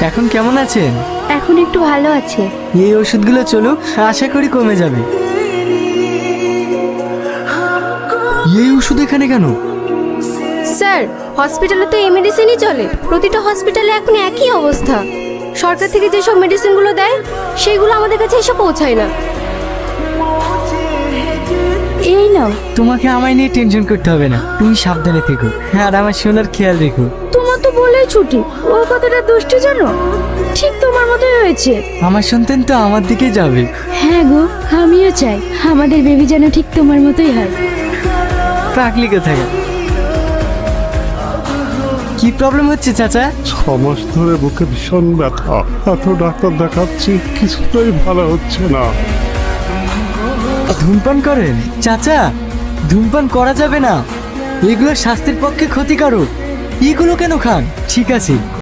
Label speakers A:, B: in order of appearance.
A: এখন কেমন আছেন?
B: এখন একটু ভালো আছে।
A: এই ওষুধগুলো চলুক, আশা করি কমে যাবে। এই ওষুধ এখানে কেন?
B: স্যার, হসপিটালে তো এই মেডিসিনই চলে। প্রতিটা হসপিটালে এখন একই অবস্থা। সরকার থেকে যেসব মেডিসিনগুলো দেয় সেগুলো আমাদের কাছে এসে পৌঁছায় না। এই নাও।
A: তোমাকে আমায় নিয়ে টেনশন করতে হবে না, তুমি সাবধানে থেকো আর আমার সোনার খেয়াল রেখো।
B: তোমার তো বলেই ছুটি, ও কতটা দুষ্টু জানো। ঠিক তোমার মতোই হয়েছে।
A: আমার সন্তান তো আমার দিকে যাবে।
B: হ্যাঁ গো, আমিও চাই আমাদের বেবি যেন ঠিক তোমার মতোই হয়।
A: পাগলি কোথায়? কি প্রবলেম হচ্ছে চাচা?
C: 6 মাস ধরে বুকে ভীষণ ব্যথা, এত ডাক্তার দেখাচ্ছি কিছুতেই ভালো হচ্ছে না।
A: ধূমপান করেন? চাচা, ধূমপান করা যাবে না, এগুলো স্বাস্থ্যের পক্ষে ক্ষতিকারক। এগুলো কেন খান? ঠিক আছে,